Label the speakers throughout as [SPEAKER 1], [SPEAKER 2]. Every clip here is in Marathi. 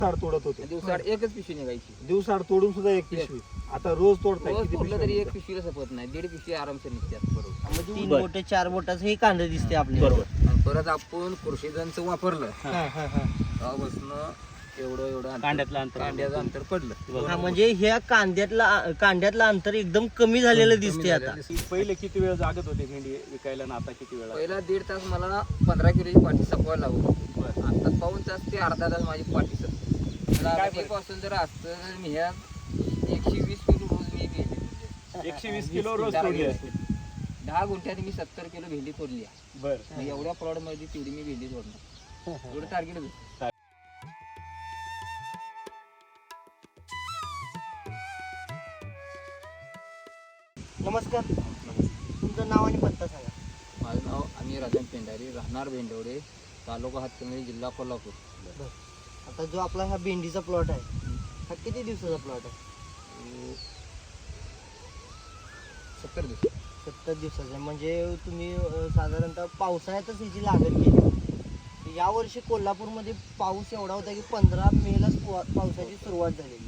[SPEAKER 1] दिवसाआड तोडत होते.
[SPEAKER 2] दिवसाआड एकच पिशवी निघायची.
[SPEAKER 1] दिवसाआड तोडून सुद्धा एक पिशवी. आता रोज तोडताय.
[SPEAKER 2] रोज
[SPEAKER 1] किती
[SPEAKER 2] तोडलं
[SPEAKER 1] पिशव्या
[SPEAKER 2] तरी एक
[SPEAKER 1] निघतात?
[SPEAKER 2] पिशवीला सपत नाही, 1.5 पिशवी आरामशीर निघतात. बरोबर.
[SPEAKER 3] म्हणजे 3 बोट 4 बोटाचं हे कांदा दिसते आपल्याला.
[SPEAKER 4] बरोबर.
[SPEAKER 2] आणि परत आपण कृषीजनचं वापरलं
[SPEAKER 3] हा, हा, हा.
[SPEAKER 2] तेव्हापासून एवढं अंतर-
[SPEAKER 4] कांड्यातलं अंतर.
[SPEAKER 2] कांड्याचं अंतर पडलं.
[SPEAKER 3] हा, म्हणजे ह्या कांद्यातलं अंतर एकदम कमी झालेलं दिसते आता.
[SPEAKER 4] पहिले किती वेळ जागत होते भेंडी विकायला आणि आता किती वेळ?
[SPEAKER 2] पहिला 1.5 तास मला 15 किलोची पाठी सपवायला लागत. आता पाऊन तास ते अर्धा तास माझी पाठी सपते. पासून जर असतं तर मी ह्या 120 किलो रोज मी भेंडी
[SPEAKER 4] 120 किलो रोज तोडली असते.
[SPEAKER 2] 10 गुंठ्यात मी 70 किलो भेंडी तोडली आहे.
[SPEAKER 4] बरं.
[SPEAKER 2] एवढ्या प्लॉट मध्ये तेवढी मी भेंडी तोडणार. एवढं टार्गेट होतं.
[SPEAKER 3] नमस्कार, तुमचं नाव आणि पत्ता सांगा.
[SPEAKER 2] माझं नाव अमीर राजन पेंढारी, राहणार भेंडवडे, तालुका हातकणंगले, जिल्हा कोल्हापूर.
[SPEAKER 3] आता जो आपला हा भेंडीचा प्लॉट आहे, हा किती दिवसाचा प्लॉट आहे?
[SPEAKER 2] 70 दिवस.
[SPEAKER 3] 70 दिवसाचा. म्हणजे तुम्ही साधारणतः पावसाळ्यातच ह्याची लागण केली. यावर्षी कोल्हापूरमध्ये पाऊस एवढा होता की 15 मेलाच पावसाची सुरुवात झालेली.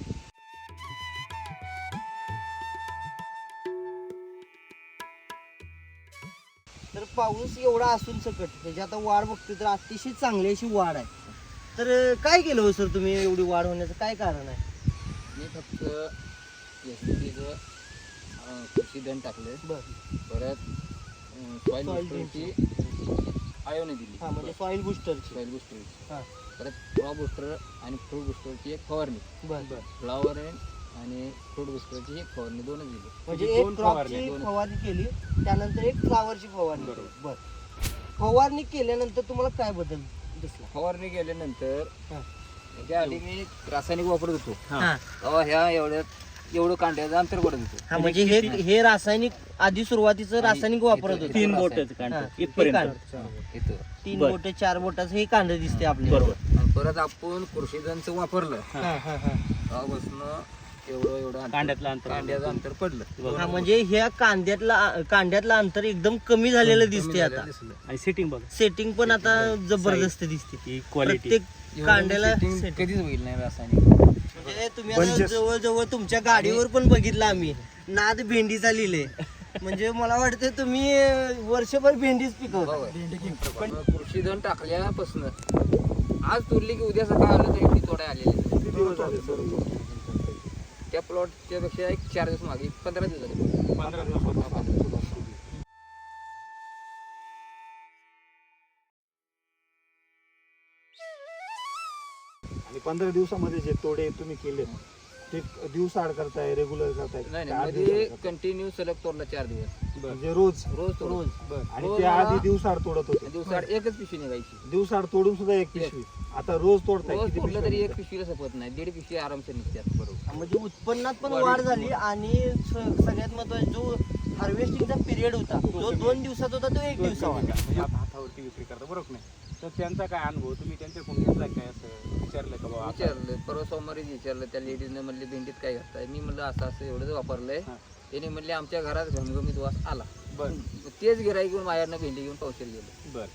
[SPEAKER 3] तर पाऊस एवढा असून सकट त्याची आता वाढ बघतोय तर अतिशय चांगली अशी वाढ आहे. तर काय केलं हो सर तुम्ही एवढी वाढ होण्याचं काय कारण आहे?
[SPEAKER 2] मी फक्त एसटीचं कृषी धन टाकले.
[SPEAKER 3] बरं.
[SPEAKER 2] परत सॉईल
[SPEAKER 3] Soil
[SPEAKER 2] बुस्टरची आयोने दिली.
[SPEAKER 3] हा, म्हणजे सॉइल बुस्टरची.
[SPEAKER 2] सॉईल बुस्टरची.
[SPEAKER 3] हा.
[SPEAKER 2] परत फ्लॉ बुस्टर आणि फ्रूट बुस्टरची एक फवारणी.
[SPEAKER 3] बरं बरं.
[SPEAKER 2] फ्लॉवर आणि फ्रूट बुस्टरची एक फवारणी, दोनच दिली.
[SPEAKER 3] म्हणजे
[SPEAKER 4] म्हणजे
[SPEAKER 3] एक
[SPEAKER 4] दोन
[SPEAKER 3] क्रॉपची
[SPEAKER 2] दोन.
[SPEAKER 3] फवारणी केली, त्यानंतर एक फ्लावरची फवारणी केली. बरं. फवारणी केल्यानंतर तुम्हाला काय बदल दिसला?
[SPEAKER 2] फवारणी केल्यानंतर
[SPEAKER 3] हा.
[SPEAKER 2] त्याच्या आधी मी रासायनिक वापरत होतो.
[SPEAKER 3] हा.
[SPEAKER 2] तेव्हा ह्या एवढं कांड्याचं अंतर पडत होतं.
[SPEAKER 3] हा, म्हणजे हे रासायनिक आधी सुरुवातीचं रासायनिक वापरत होते.
[SPEAKER 4] 3 बोटाचं
[SPEAKER 3] हा,
[SPEAKER 4] कांड
[SPEAKER 3] हे
[SPEAKER 4] इथपर्यंत.
[SPEAKER 3] कांड.
[SPEAKER 2] इथं
[SPEAKER 3] 3
[SPEAKER 4] बरं.
[SPEAKER 3] बोट 4 बोटाचं हे कांदा दिसते आपल्याला.
[SPEAKER 4] बरोबर.
[SPEAKER 2] आणि परत आपण कृषीजनचं वापरलं
[SPEAKER 3] हा, हा, हा.
[SPEAKER 2] तेव्हापासून एवढं अंतर-
[SPEAKER 4] कांड्यातलं अंतर.
[SPEAKER 2] कांड्याचं अंतर पडलं.
[SPEAKER 3] हा, म्हणजे ह्या कांद्यातलं अंतर एकदम कमी झालेलं दिसते आता.
[SPEAKER 2] दिसलं.
[SPEAKER 4] आणि सिटिंग बघ,
[SPEAKER 3] सेटिंग पण आता जबरदस्त दिसते.
[SPEAKER 4] ही क्वालिटी.
[SPEAKER 3] प्रत्येक कांड्याला
[SPEAKER 2] Setting
[SPEAKER 3] setting.
[SPEAKER 2] कधीच होईल नाही रासायनिक.
[SPEAKER 3] म्हणजे तुम्ही आता जवळजवळ तुमच्या गाडीवर पण बघितलं आम्ही, नाद भेंडीचा लिहिले. म्हणजे मला वाटतं तुम्ही वर्षभर भेंडीच पिकवता.
[SPEAKER 2] पण कृषीधन टाकल्यापासून आज तोडली की उद्या सकाळ आलं तरी ती तोडाय आलेली.
[SPEAKER 1] किती दिवस झाले सर?
[SPEAKER 2] त्या प्लॉटच्या पेक्षा एक 4 दिवस मागे 15 दिवस झाले.
[SPEAKER 4] 15 दिवस.
[SPEAKER 1] आणि 15 दिवसामध्ये जे तोडे तुम्ही केले ते दिवसाआड करताय, रेग्युलर करताय?
[SPEAKER 2] नाही
[SPEAKER 1] का आठ
[SPEAKER 2] मध्ये
[SPEAKER 1] दिवसाआड करताय?
[SPEAKER 2] कंटिन्यू सलग तोडला 4 दिवस.
[SPEAKER 1] म्हणजे रोज
[SPEAKER 2] रोज तोड.
[SPEAKER 3] रोज.
[SPEAKER 1] आणि
[SPEAKER 2] रोज
[SPEAKER 1] ते आधी
[SPEAKER 2] मला-
[SPEAKER 1] दिवसाआड तोडत होते.
[SPEAKER 2] दिवसाआड एकच पिशवी निघायची.
[SPEAKER 1] दिवसाआड तोडून सुद्धा एक पिशवी. आता रोज तोडताय.
[SPEAKER 2] रोज
[SPEAKER 1] किती
[SPEAKER 2] तोडलं
[SPEAKER 1] पिशव्या
[SPEAKER 2] तरी एक
[SPEAKER 1] निघतात?
[SPEAKER 2] पिशवीला सपत नाही, 1.5 पिशवी आरामशीर निघतात. बरोबर.
[SPEAKER 3] म्हणजे उत्पन्नात पण
[SPEAKER 2] वाढ-
[SPEAKER 3] वाढ झाली आणि सगळ्यात महत्वाचा जो हार्वेस्टिंगचा पिरियड होता जो 2 दिवसात होता तो 1 दिवसावर.
[SPEAKER 4] म्हणजे आता हातावरती विक्री करता, बरोबर नाही? तर त्यांचा काय अनुभव तुम्ही त्यांच्याकडून घेतला काय, असं विचारलं का बाबा आता?
[SPEAKER 2] विचारलं परवा सोमवारीच विचारलं त्या लेडीजने, म्हणले भेंडीत काय घालताय? मी म्हणलं असं असं एवढंच वापरलंय.
[SPEAKER 4] हा.
[SPEAKER 2] त्याने म्हणले आमच्या घरात घमघमीत वास आला.
[SPEAKER 4] बरं.
[SPEAKER 2] मग तेच गिराईक घेऊन माझ्यानं भेंडी घेऊन पावशेर गेलो.
[SPEAKER 4] बर.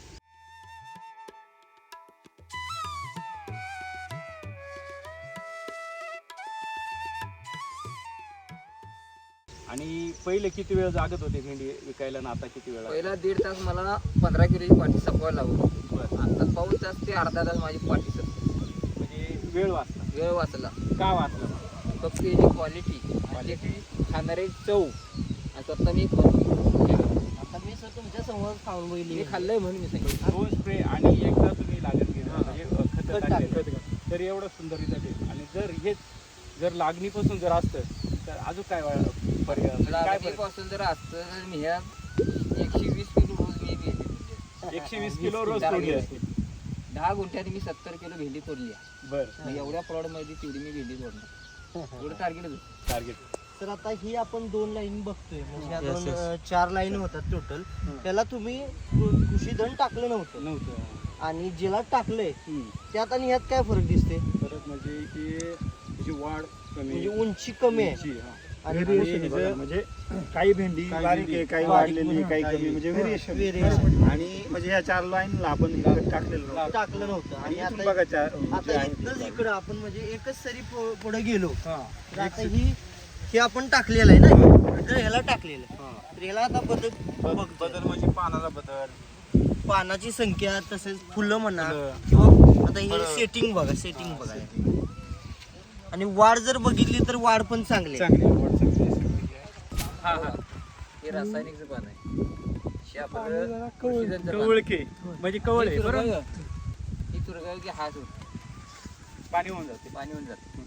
[SPEAKER 4] आणि पहिले किती वेळ जागत होते भेंडी विकायला आणि आता किती वेळ?
[SPEAKER 2] पहिला 1.5 तास मला 15 किलोची पाठी सपवायला लागत.
[SPEAKER 4] बरं.
[SPEAKER 2] आता पाऊन तास ते अर्धा तास माझी पाठी सपते.
[SPEAKER 4] म्हणजे वेळ वाचला.
[SPEAKER 2] वेळ वाचला.
[SPEAKER 4] का वाचला?
[SPEAKER 2] फक्त याची क्वालिटी खाणारी चव आणि स्वतः मी खाऊन
[SPEAKER 3] आता मी सर तुमच्या समोर खाऊन बघितली.
[SPEAKER 2] मी खाल्लंय म्हणून मी सांगितलं.
[SPEAKER 4] दोन स्प्रे आणि एकदा तुम्ही लागण केलं म्हणजे खत
[SPEAKER 3] खत
[SPEAKER 4] टाकले तर एवढं सुंदर रिझल्ट येईल. आणि जर लागणीपासून जर असतं तर अजून काय पर्याय काय
[SPEAKER 2] लागणीपासून जर असतं तर मी ह्या 120 किलो रोज मी भेंडी
[SPEAKER 4] 120 किलो रोज तोडली असते.
[SPEAKER 2] 10 गुंठ्यात मी 70 किलो भेंडी तोडली आहे.
[SPEAKER 4] बरं.
[SPEAKER 2] मग एवढ्या प्लॉट मध्ये तेवढी मी भेंडी तोडणार. एवढं टार्गेट होतं.
[SPEAKER 4] टार्गेट.
[SPEAKER 3] तर आता ही आपण 2 लाईन बघतोय म्हणजे ह्या
[SPEAKER 4] Yes,
[SPEAKER 3] दोन 4 लाईन होतात टोटल. त्याला तुम्ही कृषी धन टाकलं नव्हतं आणि ज्याला टाकलंय त्यात आणि ह्यात काय फरक दिसते?
[SPEAKER 4] परत म्हणजे की त्याची वाढ कमी,
[SPEAKER 3] म्हणजे उंची कमी आहे.
[SPEAKER 4] उंची, हा.
[SPEAKER 3] आणि
[SPEAKER 1] व्हेरिएशन आहे बघा, म्हणजे काही भेंडी
[SPEAKER 4] काही
[SPEAKER 1] बारीक
[SPEAKER 4] भेंडी
[SPEAKER 1] आहे, काही
[SPEAKER 3] बारीक
[SPEAKER 1] वाढलेली,
[SPEAKER 3] म्हणा,
[SPEAKER 1] काही
[SPEAKER 4] काही
[SPEAKER 1] कमी, म्हणजे व्हेरिएशन
[SPEAKER 3] Variation.
[SPEAKER 1] आणि म्हणजे ह्या 4 लाईनला आपण इकडे टाकलेलं नव्हतं.
[SPEAKER 3] टाकलं नव्हतं
[SPEAKER 1] आणि
[SPEAKER 3] आणि
[SPEAKER 1] इथून
[SPEAKER 3] आता
[SPEAKER 1] बघा जे
[SPEAKER 3] आता
[SPEAKER 1] आहे ते
[SPEAKER 3] इथनंच
[SPEAKER 1] बघा.
[SPEAKER 3] इकडं आपण म्हणजे एकच सरी पुढे गेलो
[SPEAKER 1] हा.
[SPEAKER 3] तर आता हे आपण टाकलेलं आहे ना तर ह्याला टाकलेलं आहे तर ह्याला आता
[SPEAKER 4] बदल म्हणजे पानाचा बदल,
[SPEAKER 3] पानाची संख्या तसेच फुलं म्हणा
[SPEAKER 4] फुलं.
[SPEAKER 3] किंवा आता हे
[SPEAKER 4] फळं.
[SPEAKER 3] सेटिंग बघा सेटिंग बघा आणि वाढ जर बघितली तर वाढ पण चांगली आहे.
[SPEAKER 4] चांगली आवड चांगली आहे. हा हा
[SPEAKER 2] हे रासायनिकचं पान आहे हे आपलं कृषीजनचं पान.
[SPEAKER 4] कवळके म्हणजे कवळ आहे
[SPEAKER 2] ही
[SPEAKER 4] बरोबर.
[SPEAKER 2] तुरगाळ- ही तुरगाळ की हात होत
[SPEAKER 4] पाणी होऊन जाते.
[SPEAKER 2] पाणी होऊन जातं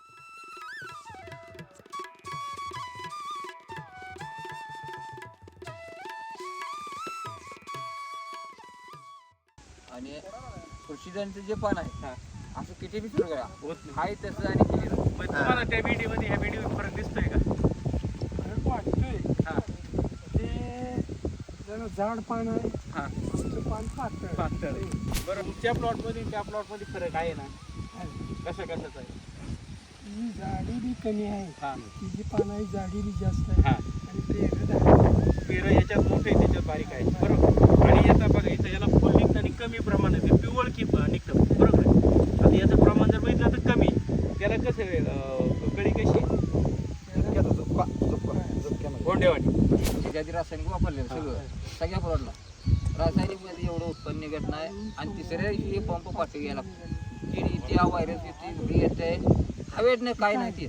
[SPEAKER 2] आणि कृषीजनचं जे पान आहे
[SPEAKER 4] हा.
[SPEAKER 2] असं किती बी तुरगळा
[SPEAKER 4] होत नाही.
[SPEAKER 2] हाय तसं आणि केलेलं
[SPEAKER 4] मग तुम्हाला त्या व्हिडिओ मध्ये ह्या व्हिडिओ फरक दिसतोय का?
[SPEAKER 5] फरक वाटतोय
[SPEAKER 4] हा
[SPEAKER 5] ते जरा जाड पान आहे
[SPEAKER 4] हा
[SPEAKER 5] नुसतं पान पातळ
[SPEAKER 4] पातळ. बरं तुमच्या प्लॉट मध्ये त्या प्लॉट मध्ये फरक आहे ना?
[SPEAKER 5] आहे.
[SPEAKER 4] कशा कशाचा आहे?
[SPEAKER 5] ही जाडी बी कमी आहे
[SPEAKER 4] हा
[SPEAKER 5] तिची पान आहे जाडी बी जास्त आहे
[SPEAKER 4] हा
[SPEAKER 5] आणि पेरड आहे
[SPEAKER 4] पेरं याच्यात मोठे त्याच्यात बारीक आहे बरोबर. आणि याचा बघा इथं याला फुल निघतं आणि कमी प्रमाणात आहे. पिवळ की निघतं बरोबर आहे. आता याचं प्रमाण जर बघितलं तर कमी. त्याला कसं आहे, कळी कशी
[SPEAKER 1] झुपक्याचा झुपका, झुपका, झुपक्यामध्ये.
[SPEAKER 4] गोंडेवाडी.
[SPEAKER 2] त्याच्या आधी रासायनिक वापरलेलं सगळं सगळ्या प्लॉटला रासायनिक मध्ये एवढं उत्पन्न निघत नाही आणि तिसऱ्या दिवशी हे पंप पाठवून घ्यायला लागतो कीड येते व्हायरस येते घरी येते हवेत नाही काय नाही ते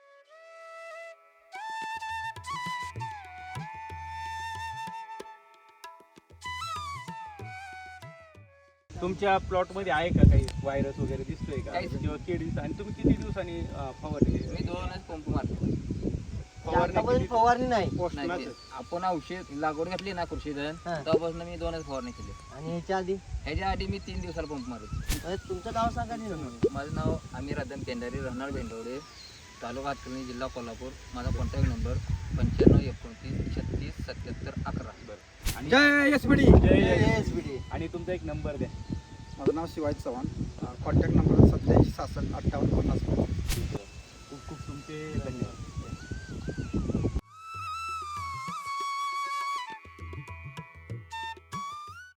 [SPEAKER 4] तुमच्या प्लॉट मध्ये आहे का काही व्हायरस वगैरे दिसतोय का
[SPEAKER 2] काहीच नाही.
[SPEAKER 4] किंवा कीड दिसत आणि तुम्ही किती दिवसांनी फवारणी
[SPEAKER 2] मी 2च पंप मारतो
[SPEAKER 3] आतापर्यंत फवारणी नाही
[SPEAKER 2] नाही ते आपण औषध लागवड घातली ना कृषीधन
[SPEAKER 3] हा.
[SPEAKER 2] तेव्हापासून मी 2च फवारणी केली
[SPEAKER 3] आणि ह्याच्या आधी
[SPEAKER 2] ह्याच्या आधी मी 3 दिवसाला पंप मारतो
[SPEAKER 3] तुमचं नाव सांगा नाही ना.
[SPEAKER 2] माझं नाव आमिर आदम पेंढारी राहणार भेंडवडे तालुका हातकर्णी जिल्हा कोल्हापूर माझा कॉन्टॅक्ट नंबर 9529 36 77 11
[SPEAKER 4] आणि
[SPEAKER 1] जय एसपीडी.
[SPEAKER 4] जय
[SPEAKER 3] SBD.
[SPEAKER 4] आणि तुमचा एक नंबर द्या.
[SPEAKER 1] माझं नाव शिवाजी चव्हाण, कॉन्टॅक्ट नंबर 87 66 58 50.
[SPEAKER 4] खूप खूप तुमचे धन्यवाद.